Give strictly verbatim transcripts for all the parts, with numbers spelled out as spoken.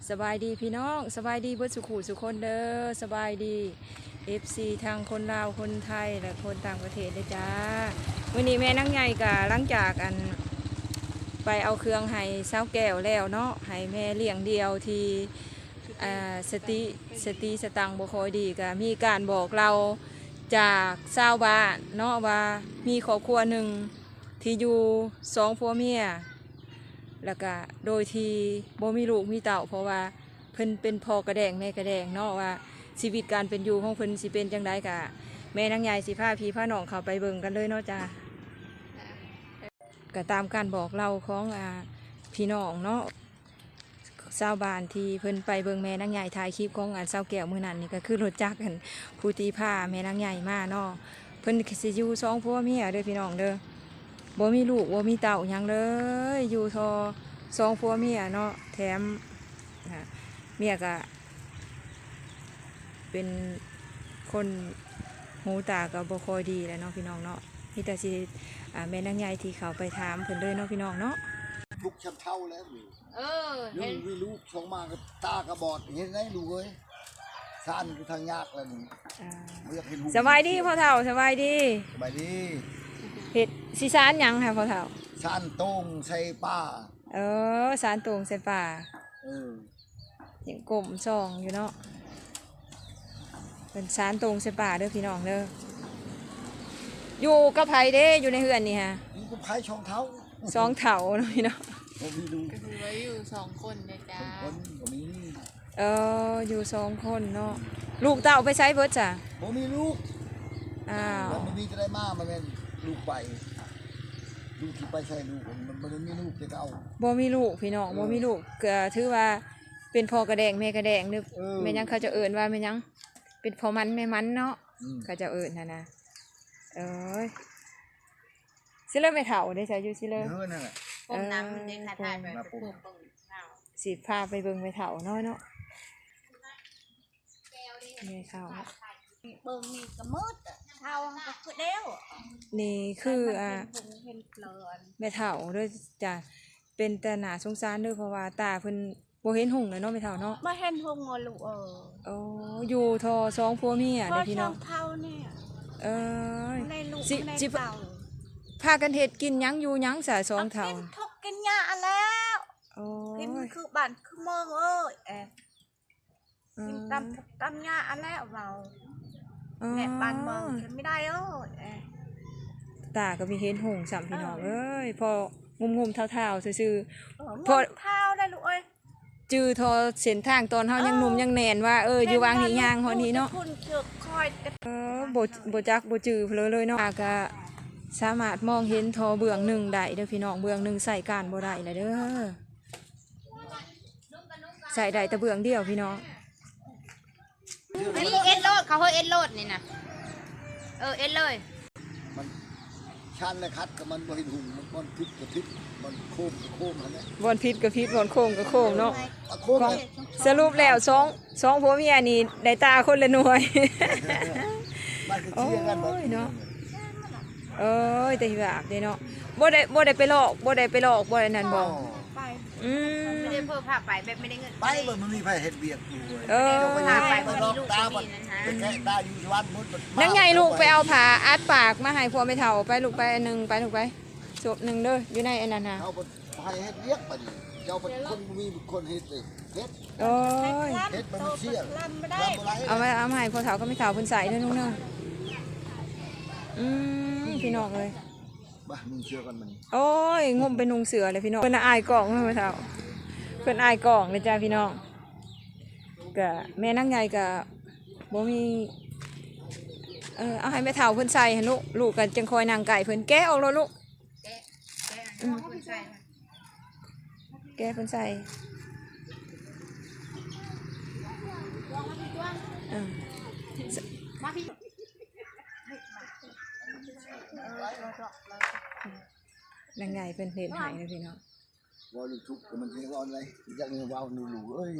สบายดีพี่น้องสบายดีเบิดสุขุสุคนเด้อสบายดี เอฟ ซี ทางคนลาวคนไทยและคนต่างประเทศเลยจ้าวันนี้แม่นั่งใหญ่กะหลังจากอันไปเอาเครื่องให้เศร้าแก้วแล้วเนาะให้แม่เลี้ยงเดียวที่อ่าสติสติสตังบ่ค่อยดีก็มีการบอกเราจากชาวบ้านเนาะว่ามีครอบครัวหนึ่งที่อยู่สองผัวเมียแล้วก็โดยที่บ่มีลูกมีเต่าเพราะว่าเพิ่นเป็นพ่อกระแดงแม่กระแดงเนาะว่าชีวิตการเป็นอยู่ของเพิ่นสิเป็นจังไดกะแม่นางใหญ่สิพาพี่พาน้องเข้าไปเบิ่งกันเลยเนาะจ้าก็ตามการบอกเล่าของอ่าพี่น้องเนาะชาวบ้านที่เพิ่นไปเบิ่งแม่นางใหญ่ถ่ายคลิปของอันเศร้าแก้วมื้อนั้นนี่ก็คือรถจักรกันผู้ตีผ้าแม่นางใหญ่มาเนาะเพิ่นสิอยู่สองผัวเมียเด้อพี่น้องเด้อบ่มีลูกบ่มีเต่าหยังเลยอยู่ทอสองผัวเมียเนาะแถมเมียก็เป็นคนหูตาก็บ่ค่อยดีแหล้วเนาะพี่น้องเนาะมีแต่สิแม่นางใหญ่ที่เขาไปถามเพิ่นเลยเนาะพี่น้องเนาะลูกช้ำเท่าแล้วนี่เออลูกวิลูกสองมากับตากระบอดเห็นไหมลูกเอ้ยซ่านคือทางยากแล้วนี่ไม่อยากเห็นลูกสบายดีพ่อเฒ่าสบายดีสบายดีเฮ็ดสิสานหยังค่ะพ่อเฒ่าซ่านโต้งใส่ป้าเออสานตรงใส่ป่าเออยังกลมซองอยู่เนาะเป็นสานตรงใส่ป่าเด้อพี่น้องเด้ออยู่กับไผเด้อยู่ในเฮือนนี่ฮะนี่ก็พายช่องเท้าสองเถาเนาะพี่น้องผมมีลูกก็คือไว้อยู่สองคนนะจ๊ะคนก็มีเอออยู่สองคนเนาะลูกเต่าไปใช้เบิดจ้ะผมมีลูกอ้าวมันมีจะได้มามันเป็นลูกไปลูกที่ไปใช่ลูกมันมันมีลูกจะเอาบ่มีลูกพี่น้องบ่มีลูกก็ถือว่าเป็นพ่อกระแดงแม่กระแดงนึกแม่ยังเขาจะเอิ้นว่าแม่ยังเป็นพ่อมันแม่มันเนาะเขาจะเอิ้นนะนะเอ้ยสิเลิกไม่เฒ่าได้ใช่อยู่สิเลิกเออนั่นแหละปมน้ำเด็กถ่ายไปปมสิพาไปเบิ่งไม่เฒ่าน้อยเนาะไม่เฒ่าเบิ่งนี่ก็มืดเท่าก็คือเดียวนี่คืออ่าแม่เฒ่าด้วยจ้ะเป็นแต่หน้าสงสารด้วยเพราะว่าตาเพิ่นบ่เห็นหุ่งเลยเนาะแม่เฒ่าเนาะบ่เห็นหุ่งลูกเออโอ้อยู่ทอสองผัวเมียเด้อพี่น้องเท่าเนี่ยเออสิสิพากันเฮ็ดกินหยังอยู่หยังสะสองเฒ่าทกกินหญ้าแล้วโอ้ยคือบ้านคือเมืองเอ้ยแอบกินตำตำหญ้าแล้วเราแม่บ้านเมืองกินไม่ได้เอ้ยตาก็มีเห็นหุ่งสามพี่น้องเอ้ยพองุมๆเท่าๆซื่อๆพอเท่าได้ลูกเอ้ยจื้อทอเส้นทางตอนเฮายังหนุ่มยังแน่นว่าเอออยู่วางนี่ย่างฮอดนี้เนาะเออบ่บ่จักบ่จื้อเลยเลยเนาะก็สามารถมองเห็นทอเบื้องหนึ่งได้เด้อพี่น้องเบื้องหนึ่งใส่การบ่ได้เลยเด้อใส่ได้แต่เบื้องเดียวพี่น้องนี่เอ็ดโลดเขาเฮ้ยเอ็ดโลดนี่นะเออเอ็ดเลยมันชันเลยคัดกับมันบริหุ่นมันบอลพิษกับพิษมันโค้งกับโค้งอันนี้บอลพิษกับพิษบอลโค้งกับโค้งเนาะสรุปแล้วสองสองผัวเมียนี่ได้ตาคนละหน่วยโอ้ยเนาะเอ้ยแต่แบบเนาะบ่ได้บ่ได้ไปหลอกบ่ได้ไปหลอกบ่ได้นั่นบ่อืมไม่ได้เพิ่มผ้าไปแบบไม่ได้เงินไปมันมีไผเฮ็ดเวียกอยู่เออผ้าไปบ่มีลูกก็มีนะฮะแค่ตาอยู่วัดมุดนังไงลูกไปเอาผ้าอัดปากมาให้ผัวไม่เฒ่าไปลูกไปอันนึงไปลูกไปจบนึงเด้ออยู่ในอันนั้นน่ะเอาไปเฮ็ดเวียกบัดนี้เจ้าเป็นคนมีคนเฮ็ดเลยเฮ็ดโอ้ยเฮ็ดมันเชี่ยเอามาเอามาให้ผัวเฒ่าก็ไม่เฒ่าเพิ่นใส่เด้อลูกเนาะอืมพี่น้องเอ้ยบ้านุ่งเสื้อกันมันโอ้ยงมไปนุ่งเสือเลยพี่น้องเพิ่นอายกล่องเพิ่นเฒ่าเพิ่นอายกล่องเลยจ้าพี่น้องก็แม่นางใหญ่ก็บ่มีเออเอาให้แม่เฒ่าเพิ่นใส่ให้ลูกลูกก็จังคอยนางไก่เพิ่นแกะออกแล้วลูกแกะแกะเพิ่นใส่แกะเพิ่นใส่เออมาพี่นางใหญ่เป็นเพลหายนะพี่น้องวอลทุกมันเป็นวอลอะไรจากเงินวอลหนูหนูเอ้ย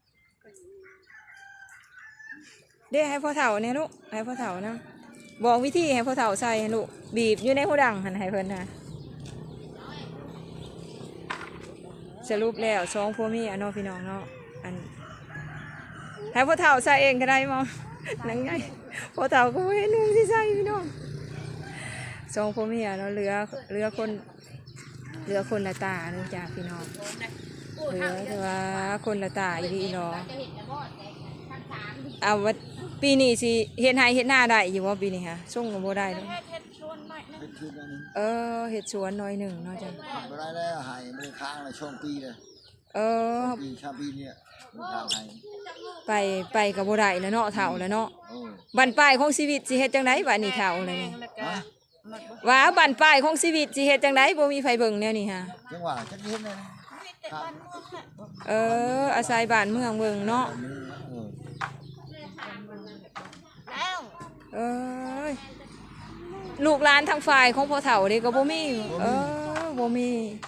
เดี๋ยวให้พ่อเฒ่าเนี่ยลูกให้พ่อเฒ่านะบอกวิธีให้พ่อเฒ่าใส่ลูกบีบอยู่ในหูดังหันให้เพิ่นนะสรุปแล้วสองผัวเมียเนาะพี่น้องเนาะอันให้พ่อเฒ่าใส่เองก็ได้มั้งนังไงพ่อเฒ่าก็บ่เห็นนุ่งสิใส่พี่น้องสองพ่อเมียเนาะเหลือเหลือคนเหลือคนละตาเนึงจ้าพี่น้องเหลือแต่ว่าคนละตาอีดีเนาะเอาว่าปีนี้สิเฮ็ดไร่เฮ็ดนาได้อยู่บ่ปีนี้ค่ะส่งก็บ่ได้เนาะเฮ็ดเฮ็ดชวนหน่อยนึงเป็นคืนอันนี้เออเฮ็ดสวนหน่อยหนึงเนาะจ้ะไม่ได้แล้วหายไม่ได้ค้างเลยช่วงปีเลยเออปีชาปีเนี่ยไม่ค้างหายไปไปก็บ่ได้แล้วเนาะเฒ่าแล้วเนาะโอ้บั้นปลายของชีวิตสิเฮ็ดจังไดบัดนี้เฒ่าแล้วนี่แล้วก็มันบ่ว่าบั้นปลายของชีวิตสิเฮ็ดจังไดบ่มีไผเบิ่งแนวนี้ฮะจังหวะจักเห็นเลยมีแต่บ้านเมืองแหละเอออาศัยบ้านเมืองเบิ่งเนาะอันนี้เออแล้วเอ้ยลูกหลานทางฝ่ายของพ่อเฒ่านี่ก็บ่มีเออบ่มี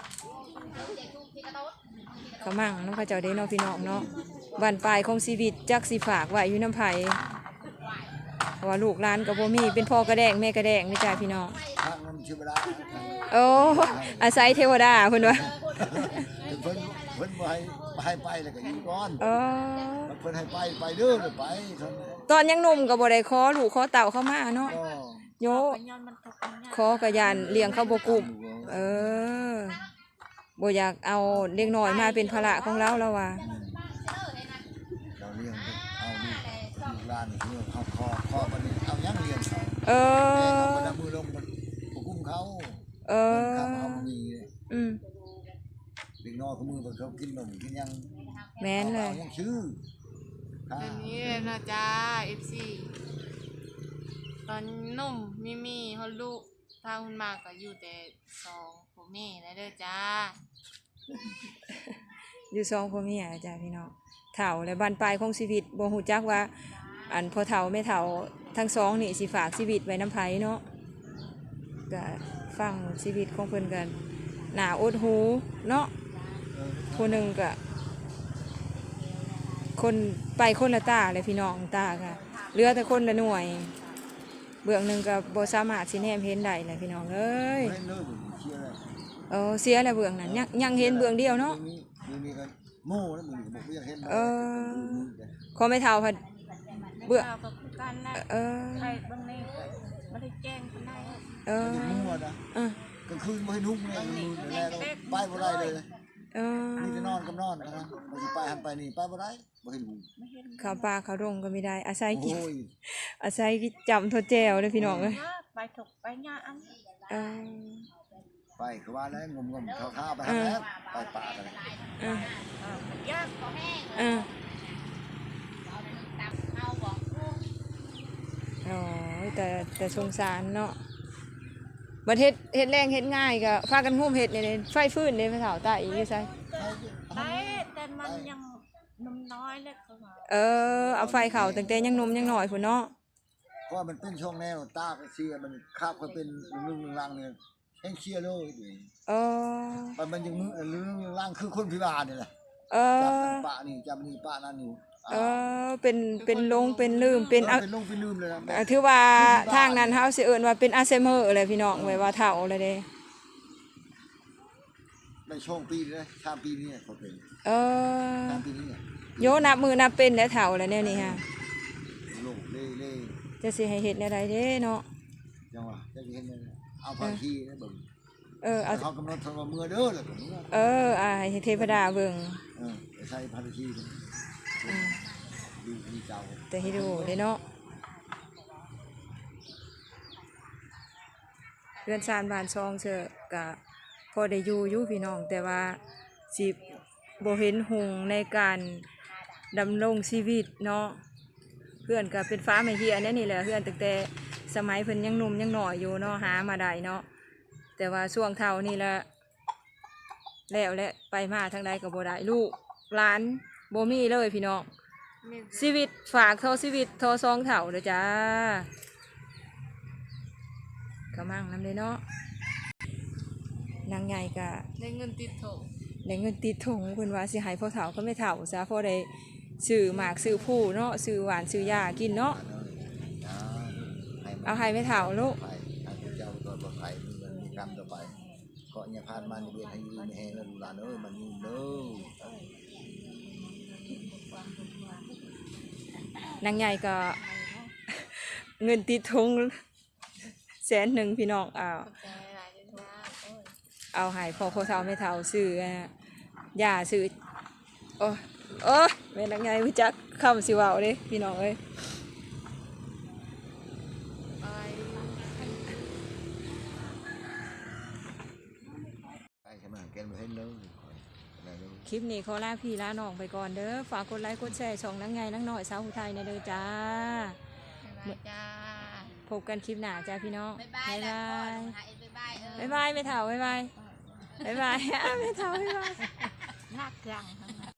ก็มั่งนำเขาเจ้าเด้เนาะพี่น้องเนาะบ้านปลายของชีวิตจักสิฝากไว้อยู่นำไผเพราะว่าลูกหลานก็บ่มีเป็นพ่อกระแดงแม่กระแดงนี่จ้าพี่น้องทางนั้นชื่อเวลาโอ้อาศัยเทวดาเพิ่นว่าเพิ่นเพิ่นบ่ให้ให้ไปแล้วก็อยู่ก่อนเออเพิ่นให้ไปไปเด้อไปเท่านั้นตอนยังหนุ่มก็บ่ได้ขอลูกขอเต่าเข้ามาเนาะก็โยปัญญามันตกปัญญาขอกระยานเลี้ยงเขาบ่กุ้มเออบ่อยากเอาเด็กน้อยมาเป็นภาระของเราแล้วว่าเราเลี้ยงเอาลูกลูกหลานเลี้ยงเขาคอคอบัดนี้เอายังเลี้ยงเขาเอแต่อเอาบ่ได้มือลงมันบ่กุ้มเขาเอเพิ่นอขับเอาบ่มีเลยอืมเด็กน้อยเขามือเพิ่นเขากินนมกินยังแม่นเลยอายังชื่อค่ะอันนี้เลยนะจ้า เอฟ ซี ตอนนุ่มมีมีฮอลลูกทางคุณมากก็อยู่แต่สองผมแม่แล้วเด้อจ้าอยู่สองพ่อเมียจ้ะพี่น้องเฒ่าและบั้นปลายของชีวิตบ่ฮู้จักว่า อันพ่อเฒ่าแม่เฒ่าทั้งสองนี่สิฝากชีวิตไว้นำไผเนาะก็ฟังชีวิตของเพิ่นกันหน้าอดหูเนาะ ผู้หนึ่งก็คนไปคนละตาเลยพี่น้องตาค่ะเหลือแต่คนละหน่วย เบื้องหนึ่งก็บ่สามารถสิแนมเห็นได้เลยพี่น้องเอ้ยเล่นเลยผมเชียร์เลยเออเสียแล้วเบื้องนั้นยังยังเห็นเบื้องเดียวเนาะมีมีมีกันโม่แล้วมึงบอกว่าอยากเห็นเออ ขอไม่เท่าพัดเบื้องเราก็คือกันแหละเออใครบางนี่ก็บ่ได้แจ้งคนใดเออมั่วนะเออกลางคืนไม่ให้นุ่งเลยมือเดี๋ยวแล้วไปบ่ได้เลยเออมีแต่นอนกับนอนนะบางทีไปหันไปนี่ไปบ่ได้บ่เห็นหูไม่เห็นข้าวปลาข้าวดงก็ไม่ได้ อาศัยกินโอ้ยอาศัยกินจำทดแจวเลยพี่น้องเลยว่าไปถกไปญาอันเออไปคือว่าแล้วงมงมข้าวข้าวไปหันแล้วไปป่ากันเออเออยากเออโอ้ยแต่แต่สงสารเนาะบัดเฮ็ดเฮ็ดแรงเฮ็ดง่ายก็พากันงุ่มเฮ็ดนี่ไฟฟื้นเด้พระเฒ่าตาอีกอยู่ไสได้แต่มันยังนมน้อยเลยเขาว่าเออเอาไฟเข้าตั้งแต่ยังหนมยังน้อยพุ่นเนาะเพราะมันเป็นช่วงแนวตาก็เชียร์มันคาบก็เป็นลึงๆลังๆเนี่ยแห้งเชียร์เลยเออมันมันยังมือลึงๆลังคือคนพิการนี่แหละเอจับอนั่นป่านี่จับนี่ป่านั่นอยู่เออเป็นเป็นลงเป็นลืมเป็นอะเป็นลงเป็นลืมเลยนะเอ่อถือว่าทางนั้นเฮาสิเอิ้นว่าเป็นอัลไซเมอร์เลยพี่น้องไว้ว่าเฒ่าเลยเด้ในช่วงปีนี้นะชามปีนี้เขาเป็นเออชามปีนี้เนี่ยโยนับมือนับเป็นแล้วเฒ่าแล้วแนวนี้ฮะลงเล่เล่จะสิให้เฮ็ดแนวใดเด้เนาะจังหวะจะเห็นเลยเอาพาขี้นะเบิ่งเออเอาเขากำหนดทำมือเด้อเลยผมว่าเอออ่าให้เทพดาเบิ่งเออใช้พาขี้อืมดูดีเจ้าแต่ให้ดูเด้เนาะเรือนชานบ้านซองเชอะก็พอได้อยู่อยู่พี่น้องแต่ว่าสิบ่เห็นหงในการดำรงชีวิตเนาะเพื่อนก็เป็นฟ้าไม่เฮียแน่นี่แหละเพื่อนตั้งแต่สมัยเพิ่นยังหนุ่มยังหน่อยอยู่เนาะหามาได้เนาะแต่ว่าช่วงเท่านี่ละแล้วและไปมาทางใดก็บ่ได้ลูกหลานบ่มีเลยพี่น้องมีชีวิตฝากเท่าชีวิตเท่าซองเท่าเด้อจ้ากำลังนำเลยเนาะนางใหญ่ก็ได้เงินติดโถได้เงินติดถุงเพิ่นว่าสิให้พ่อเฒ่าก็ไม่เฒ่าซะพอได้ซื้อหมากซื้อผู้เนาะซื้อหวานซื้อยากินเนาะเอาให้ไม่เฒ่าลูกไปให้เจ้าตัวปลอดภัยมีกรรมต่อไปก็อย่าพลาดมาในเวียนให้ยืนให้แล้วดูหลานเอ้ยมันยืนเด้อนางใหญ่ก็ เงินติดทงแสนหนึ่งพี่น้องเอาขอบใจหลายๆด้วยจ้าโอ้ยเอาให้พอพอเท่าไม่เท่าซื้ออ่ะย่าซื้อโอ้โอ้แม่นางใหญ่รู้จักคำสิเว้าเด้พี่น้องเอ้ยไปไอ้ขนาดแกนมาให้เลิกอะไรเลิกคลิปนี้ขอลาพี่ลาน้องไปก่อนเด้อฝากกดไลค์กดแชร์ช่องนางใหญ่นางน้อยสาวผู้ไทยในเด้อจ้าบ๊ายบายจ้าพบกันคลิปหน้าจ้าพี่น้องบ๊ายบายแล้วก่อนหาเอ็ดบ๊ายบายเออบ๊ายบายไม่เท่าบ๊ายบายบ๊ายบาย ไม่เท่าบ๊ายบายยากจัง